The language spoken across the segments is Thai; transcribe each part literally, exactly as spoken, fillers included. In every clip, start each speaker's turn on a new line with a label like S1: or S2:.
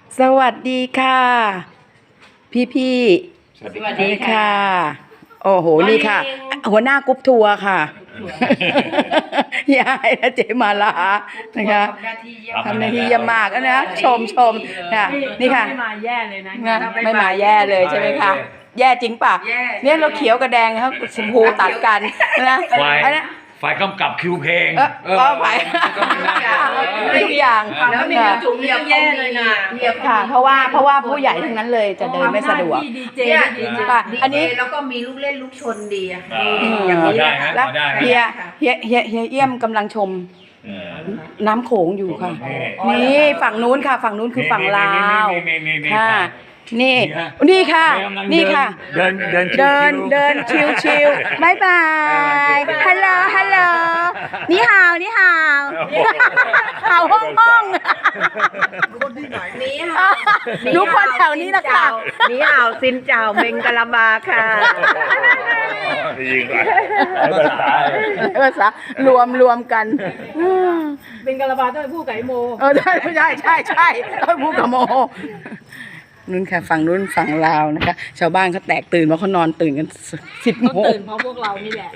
S1: สวัสดีค่ะ พี่พี่สวัสดีค่ะ โอ้โหนี่ค่ะ หัวหน้ากรุ๊ปทัวร์ค่ะยายและเจมาลานะคะทำหน้าที่เยี่ยมมากนะชมชมค่ะนี่ค่ะไม่มาแย่เลยนะไม่มาแย่เลยใช่ไหมคะแย่จริงป่ะเนี่ยเราเขียวกับแดงครับชมพูตัดกันนะอันนี้
S2: ฝ่ายกำกับคิวเพลง
S1: ก็ฝ่ายทุกอย่าง
S3: แล้วมีจุ่มเรียบแย่เลยนะ
S1: ค่ะเพราะว่าเพราะว่าผู้ใหญ่ทั้งนั้นเลยจะเดินไม่สะดวก
S3: ค่ะอันนี้แล้วก็มีลูกเล่นลูกชนดีอ่ะ
S2: อย่างนี้
S1: แล้วเฮียเฮียเฮียเฮียเอี้ยมกำลังชมน้ำโขงอยู่ค่ะนี่ฝั่งนู้นค่ะฝั่งนู้นคือฝั่งลาวค่ะนี่นี่ค่ะนี่ค่ะ
S2: เดินเดิน
S1: เดินเดินชิวชิวบายบายฮัลโหลฮัลโหลนี่ฮาวนี่ฮาวฮาวห้องห้อง
S3: คนที่ไหนนี่ฮ
S1: าวรู้คนแถวนี้นะคะ
S3: นี่ฮาวซินเจ้าเมงกะลาบาค่ะ
S2: ยิงไป
S1: ภาษารวมรวมกัน
S4: เมงกะลาบาต้องไปพูดกับไอโม
S1: เออใช่ใช่ใช่ใช่ต้องพูดกับโมนู้นค่ะฝั่งนู้นฝั่งลาวนะคะชาวบ้านเขาแตกตื่นเพราะเขานอนตื่นกันสิบโมง
S4: ตื่นเพราะพวกเรานี่แหละ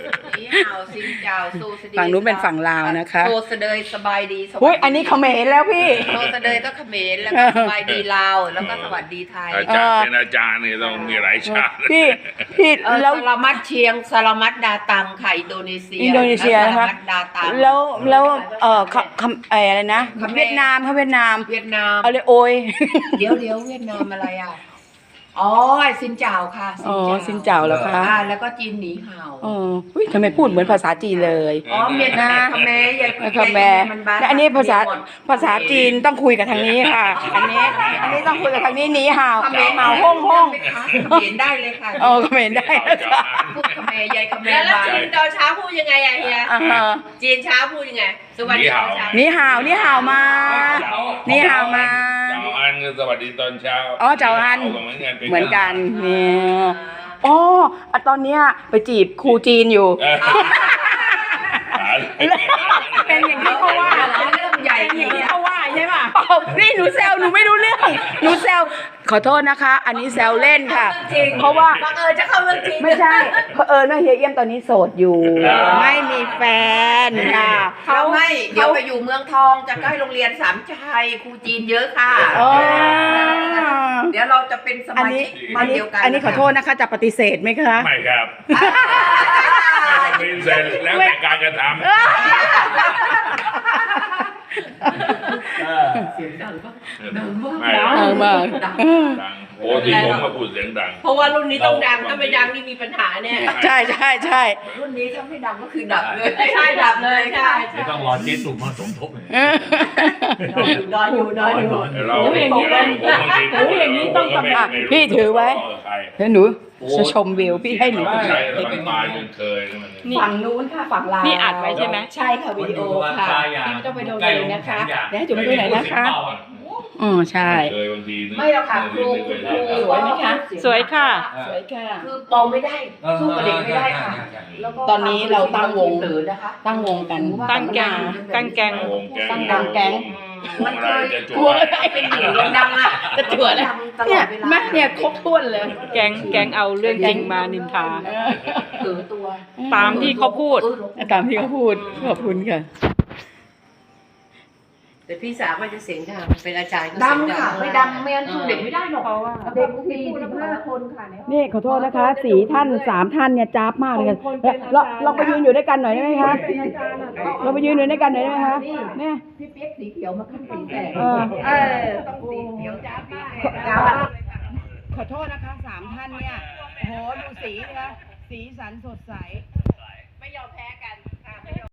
S1: ฝั่งนู้นเป็นฝั่งลาวนะคะ
S3: โซเสดยสบายดี
S1: เฮ้ยอันนี้เขมรแล้วพี่
S3: โซเสดยก็เขมรแล้วก็สบายดีลาวแล้วก็สวัสดีไทย
S2: อาจารย์เป็นอาจารย์นี่ต้องมีหลายชาติ
S1: พี่พี่
S3: แล้วสลามัดเชียงสลามัดดาตังค่ะอินโดนีเซีย
S1: อินโดนีเซียนะคะแล้วแล้วเอ่อคำอะไรนะเวียดนามเขาเวียดนาม
S3: เวียดนาม
S1: เอาเลยโอย
S3: เดี๋ยวเดี๋ยวเวียดนามอะไรอ่ะอ๋อซินเจ้าค่ะ
S1: อ๋อซินเจ้าแล้วค่ะ
S3: แล้วก็จีนหนีเห่า
S1: อ๋ออุ้ยทำไมพูดเหมือนภาษาจีนเลย
S3: อ๋อเมียนนาคแม่ยาย
S1: คแม่และอันนี้ภาษาภาษาจีนต้องคุยกับทางนี้ค่ะอันนี้อันนี้ต้องคุยกับทางนี้หนีเห่าเห่าห้องห้อง
S3: เห็นได้เลยค่ะ
S1: อ๋อเห็นได้
S3: ค่ะพูดคแม่ยายคแม่
S4: แล้วจีนตอนเช้าพูดยังไงอะเฮียจีนเช้าพูดยังไงสวัสดี
S1: หนีเห่าหนีเห่ามาหนีเห่ามา
S2: เจ้าอันคือสวัสดีตอนเช้า
S1: อ๋อเจ้าอันเหมือนกันเนี่ยอ๋อตอนเนี้ยไปจีบครูจีนอยู่เป็นอย่างที่เขาว่า
S3: เรื่องใหญ่
S4: อย่างที่เขาว่าใช่ป่ะ
S1: นี่หนูแซวหนูไม่รู้เรื่องหนูแซวขอโทษนะคะอันนี้แซวเล่นค่ะเพราะว่า
S3: บังเอิญจะเข้าเรื่องจริง
S1: ไม่ใช่เพราะเอิญว่าเฮียเอี้ยมตอนนี้โสดอยู่ไม่มีแฟนค่ะ
S3: เขาไม่เดี๋ยวไปอยู่เมืองทองจะใกล้โรงเรียนสามชัยครูจีนเยอะค่ะเดี๋ยวเราจะเป็นสมาชิก
S1: บ้านเดียวกันอันนี้ขอโทษนะคะจะปฏิเสธไหมคะ
S2: ไม่ครับปฏิเสธแล้วแต่การกระทำ
S3: เสียงดังก็
S2: ดังมาก
S1: ดังมาก
S2: ดังโอ้ที่ผมมาพูดเสียงดัง
S4: เพราะว่ารุ่นนี้ต้องดังถ้าไม่ดังนี่มีปัญหาเนี่ย
S1: ใช่ใช่ใช่
S3: รุ่นนี้ถ้าไม่ดังก็คือดับเลย
S4: ใช่ดับเลยใช่
S2: ต้องรอเจ๊ตุ่มมาสมทบ
S4: นอนอยู่นอนอยู่
S2: เรา
S4: อย่างนี้เลยหนูอย่างนี้ต้องกำลัง
S1: พี่ถือไว้แล้วหนูจะชมวิวพี่ให้หนู
S2: ไปใช่ตายจนเคย
S1: ฝั่งนู้นค่ะฝั่งลาว
S4: นี่อัดไว้ใช่ไหม
S1: ใช่ค่ะวิดีโอค่ะพี่ไม่ต้องไปดูเลยนะคะเดี๋ยวให้จุ๋มดูหน่อยนะคะอ๋อใช่
S3: ไม่หรอกค่ะครู
S1: สวยไหมคะ
S4: สวยค่ะ
S1: สวยค่ะ
S3: คือมองไม่ได้สู้กับเด็กไม่ได้ค่ะ
S1: ตอนนี้เราตั้งวงนะคะตั้งวงกัน
S4: ตั้งแก๊งตั้งแก๊ง
S1: ตั้งดังแก๊ง
S3: มันเคยจั่วเป็นหญิงดังอ่ะ
S1: จะจั่วแล้วเนี่ยแม่เนี่ยครบถ้วนเลย
S4: แก๊งแก๊งเอาเรื่องจริงมานินทา
S3: ถือตัว
S4: ตามที่เขาพูด
S1: ตามที่เขาพูดขอบคุณค่ะ
S3: แต่พี่สาวมันจะเสียงดังเป็นอาจารย์ดังค่ะไม่ดังไม่งั้นสู้เด็กไม่ได้หรอกเพราะว่าเด็กสี่สิบห้าคนค่ะ
S1: นี่ขอโทษนะคะสี่ท่านสามท่านเนี่ยจ้าบมากเลยเราเราไปยืนอยู่ด้วยกันหน่อยได้ไหมคะเราไปยืนอยู่ด้วยกันหน่อยได้ไหมคะเนี่ย
S3: พี่เปี๊ยกสีเขียวมาขึ้นสีแดง
S1: เออ
S3: ต้องสีเขียวจ้าบมาก
S1: ขอโทษนะคะสามท่านเนี่ยโหดูสีนะคะสีสันสดใส
S4: ไม่ยอมแพ้